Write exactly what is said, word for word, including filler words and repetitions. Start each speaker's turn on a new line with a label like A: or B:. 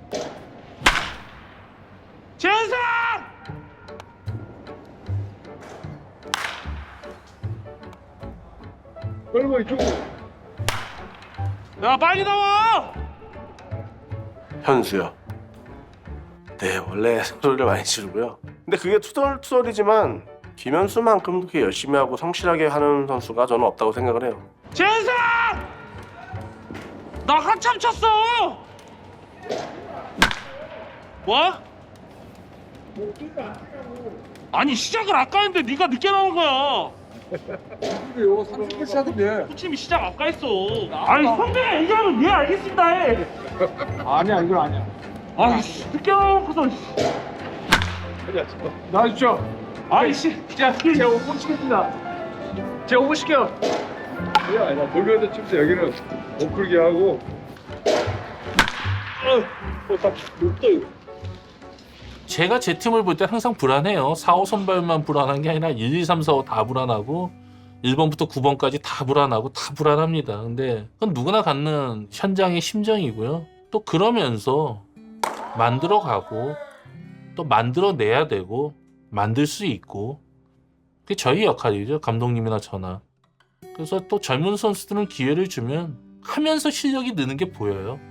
A: 재현상!
B: 얼마 이쪽.
A: 야 빨리 나와!
C: 현수요. 네, 원래 소리를 많이 지르고요. 근데 그게 투덜투덜이지만 김현수만큼 그렇게 열심히 하고 성실하게 하는 선수가 저는 없다고 생각을 해요.
A: 재현상! 나 한참 쳤어! 뭐? 아니 시작을 아까 했는데 네가 늦게 나온 거야.
B: 그래요. 삼십 분 차던데.
A: 코치님이 시작 아까 했어. 아니 선배가 얘기하면 예 알겠습니다 해.
B: 아니야, 이건 아니야.
A: 아이씨 늦게 나와놓고서.
B: 나와주죠.
A: 아이씨
B: 자, 제가 오분 시켰습니다. 제가 오분 시켜. 아니야, 아니야. 돌면서 칩니다. 여기는 못 풀게 하고.
D: 제가 제 팀을 볼 때 항상 불안해요. 사, 오 선발만 불안한 게 아니라 일, 이, 삼, 사, 오 다 불안하고 일 번부터 구 번까지 다 불안하고 다 불안합니다. 근데 그건 누구나 갖는 현장의 심정이고요. 또 그러면서 만들어가고 또 만들어내야 되고 만들 수 있고 그게 저희 역할이죠. 감독님이나 저나. 그래서 또 젊은 선수들은 기회를 주면 하면서 실력이 느는 게 보여요.